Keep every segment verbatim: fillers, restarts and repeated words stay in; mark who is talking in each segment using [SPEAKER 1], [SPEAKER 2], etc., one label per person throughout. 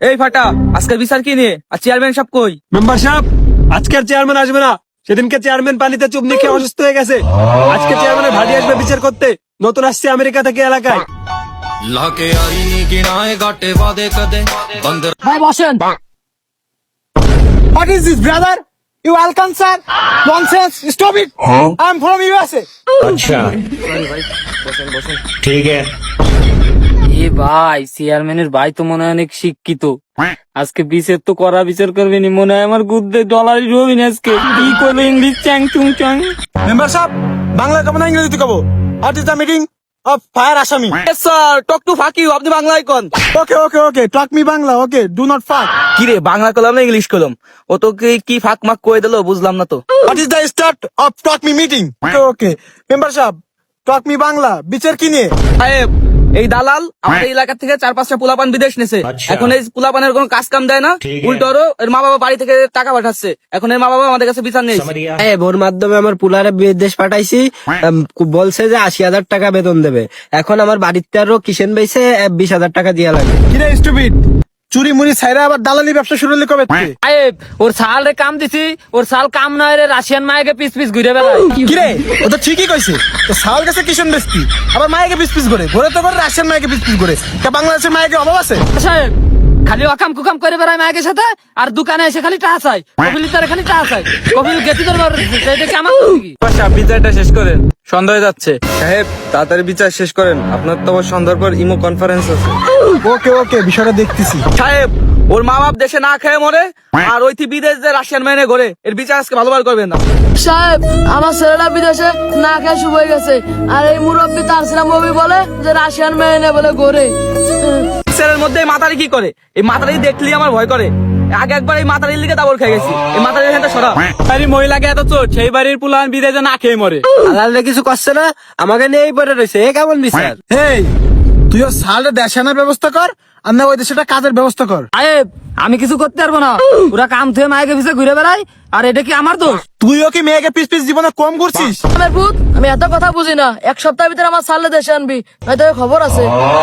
[SPEAKER 1] এই ফাটা, আজকের বিচার কি নিয়ে? আর চেয়ারম্যান সাহেব কই?
[SPEAKER 2] মেম্বার সাহেব, আজকের চেয়ারম্যান আসবে না। সেদিনকে চেয়ারম্যান পানিতে চুপ নিয়ে অসুস্থ হয়ে গেছে। আজকে চেয়ারম্যানের ভাটি আসবে বিচার করতে। নতুন আসছে আমেরিকা থেকে এলাকায়।
[SPEAKER 3] লাকে আইনি কিনায় গাটে বাদে কদে বন্দর
[SPEAKER 4] ভাই বসেন।
[SPEAKER 5] What is this, brother? You Alcan sir? Nonsense! Stop it! I'm from U S A.
[SPEAKER 6] अच्छा ठीक है।
[SPEAKER 4] এ ভাই, চেয়ারম্যানের ভাই তো মনে হয় অনেক শিক্ষিত। আজকে বিচার তো করা বিচার করবে নি, মনে হয় আমার গুদ্দে ডলারই রবি না আজকে। কি করলো ইংলিশ চ্যাং চুং চ্যাং।
[SPEAKER 5] Member সাহেব, বাংলা কব না ইংরেজিতে কব? What is the meeting of fire আসামি?
[SPEAKER 1] Yes sir, talk to fuck you, আপনি বাংলায় কোন?
[SPEAKER 5] Okay, okay, okay. Talk me Bangla. Okay, do not fuck.
[SPEAKER 1] কি রে, বাংলা কলম না ইংলিশ কলম? ও তো কি কি ফাক মাক কয়ে দিল, বুঝলাম না তো।
[SPEAKER 5] What is the start of talk me meeting? Okay, okay. Member সাহেব, talk me বাংলা. বিচার কি নিয়ে?
[SPEAKER 1] সাহেব, এই দালাল আমাদের এলাকা থেকে চার পাঁচটা পোলাপান বিদেশ নেছে।
[SPEAKER 6] আচ্ছা।
[SPEAKER 1] এখন এই পোলাপানের কোনো কাজ কাম দেয় না,
[SPEAKER 6] ঠিক আছে।
[SPEAKER 1] উল্টো আরো এর মা বাবা বাড়ি থেকে টাকা পাঠাচ্ছে। এখন এর মা বাবা আমাদের কাছে বিচার নেই।
[SPEAKER 6] समझ गया।
[SPEAKER 7] হ্যাঁ, ওর মাধ্যমে আমার পুলারে বিদেশ পাঠাইছি। আম, বলছে যে আশি হাজার টাকা বেতন দেবে। এখন আমার বাড়িতে আরো কিষেন বাইছে বিশ হাজার টাকা দিয়া লাগে।
[SPEAKER 5] কি রে স্টুপিড? চুরি মুড়ি ছাইরা আবার দালালি ব্যবসা শুরু হলে কবে থেকে?
[SPEAKER 4] সাহেব, ওর সাল রে কাম দিছি, ওর সাল কাম নয় রে রাশিয়ান মায়েকে পিস পিস ঘুরে বেড়ায়।
[SPEAKER 5] কি রে? ও তো ঠিকই কইছে। তো সাউল গেছে কিষণ বেস্তি, আবার মায়েকে পিস পিস করে ঘরে তো করে রাশিয়ান মায়েকে পিস পিস করে। তা বাংলাদেশের মায়েকে অভাব আছে?
[SPEAKER 4] সাহেব, খালি অকাম কুকাম করে বেড়ায় মায়ের সাথে, আর দোকানে এসে খালি টাকা চাই। কপিল তারে খালি টাকা চাই। কপিল গেতি তোর এটা কি আমার কি?
[SPEAKER 1] সাহেব, বিচারটা শেষ করেন, সন্দেহ হয়ে যাচ্ছে। সাহেব, তাড়াতাড়ি বিচার শেষ করেন, আপনার তো আবার সন্ধ্যার পর ইমো কনফারেন্স আছে।
[SPEAKER 5] ওকে ওকে, বিষয়টা দেখতেছি।
[SPEAKER 1] সাহেব, ওর মা বাপ দেশে না খেয়ে মরে, আর ওই বিদেশ যে রাশিয়ান মেনে ঘরে, এর বিচার আজকে ভালোভাবে করবেন না।
[SPEAKER 8] সাহেব, আমার ছেলেটা বিদেশে না খেয়ে শুভ হয়ে গেছে, আর এই মুরব্বী তার সিনেমা মুভি বলে যে রাশিয়ান মেয়ে নেই বলে গড়ে।
[SPEAKER 1] বিচারের মধ্যে এই মাতারি কি করে? এই মাতারি দেখলি আমার ভয় করে। আগে একবার এই মাতারির লিগে দাবর খেয়ে গেছি। এই মাতারির এখানটা সরা।
[SPEAKER 4] বাড়ির মহিলাকে এত চোট, সেই বাড়ির পুলান বিদেশে না খেয়ে মরে।
[SPEAKER 7] আলাদা কিছু করছে না, আমাকে নিয়েই পড়ে রয়েছে। এ কেমন বিচার?
[SPEAKER 5] হেই, তুইও সালটা দেশে আনার ব্যবস্থা কর, আর না ওই দেশটা কাজের ব্যবস্থা কর।
[SPEAKER 4] সাহেব, আমি কিছু করতে পারবো না। ওরা কাম থেকে মায়েকে পিছে ঘুরে বেড়ায়, আর এটা কি আমার দোষ?
[SPEAKER 5] তুইও কি মেয়েকে পিস পিস জীবনে কম করছিস?
[SPEAKER 8] আমার ভূত, আমি এত কথা বুঝি না। এক সপ্তাহের ভিতরে আমার সালে দেশে আনবি, নয়তো এর খবর আছে।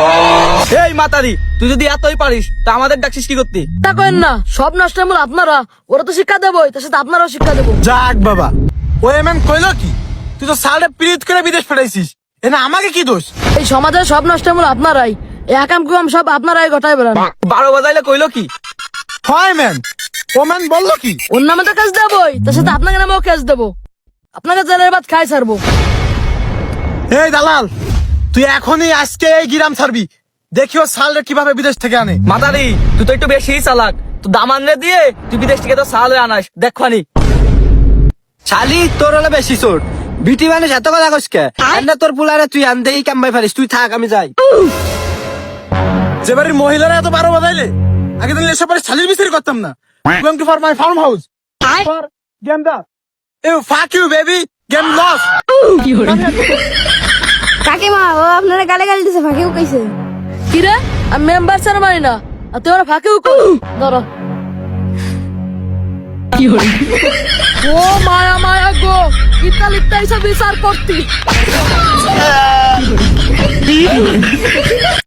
[SPEAKER 1] এই মাতারি, তুই যদি এতই পারিস তা আমাদের ডাকছিস কি করতে?
[SPEAKER 8] তা কেন না, সব নষ্টের মূল আপনারা। ওরা তো শিক্ষা দেবই, তার সাথে আপনারাও শিক্ষা দেবো।
[SPEAKER 5] যাক বাবা, ও এমএম কইলো কি? তুই তো সালটা পিরিত করে বিদেশ পাঠাইছিস, এ না আমাকে কি দোষ?
[SPEAKER 8] এই সমাজের সব নষ্টের মূল আপনারাই। এই একাম কুকাম সব আপনারাই ঘটায় বেড়ান।
[SPEAKER 1] বারো বাজাইলে কইলো কি?
[SPEAKER 5] হয় ম্যান, ও ম্যান বললো কি?
[SPEAKER 8] ওর নামে তো কাজ দেবই, তার সাথে আপনাকে নামেও কাজ দেবো। আপনাকে জেলের ভাত খাই ছাড়বো।
[SPEAKER 5] এই দালাল, তুই এখনই আজকে এই গিরাম ছাড়বি। দেখিও সালটা কিভাবে বিদেশ থেকে আনে।
[SPEAKER 1] মাতারি, তুই তো একটু বেশি চালাক। তুই দামান রে দিয়ে তুই বিদেশ থেকে তো সালে আনাস, দেখবানি।
[SPEAKER 7] শালি, তোর হলে বেশি চোট। বিটি মানুষ এত কথা কসকে? না তোর পুলারে তুই আনতেই কামবাই পারিস। তুই থাক, আমি যাই।
[SPEAKER 5] যে বাড়ির মহিলারা এত বারো বাজাইলে, আগে দিন এসব বাড়ির শালির বিচার করতাম না। Going to for my farm house for game দা। You fuck you baby, game loss.
[SPEAKER 9] কাকিমা, ও আপনারা গালে গালি দিছে, ফাঁকিও কইছে।
[SPEAKER 8] কি রে, আমি মেম্বার স্যার মানি না, আর তুই ওরা ফাঁকেও কর। ধরো। ও মায়া মায়া গো, ইত্তা লিত্তা এসব বিচার করতি।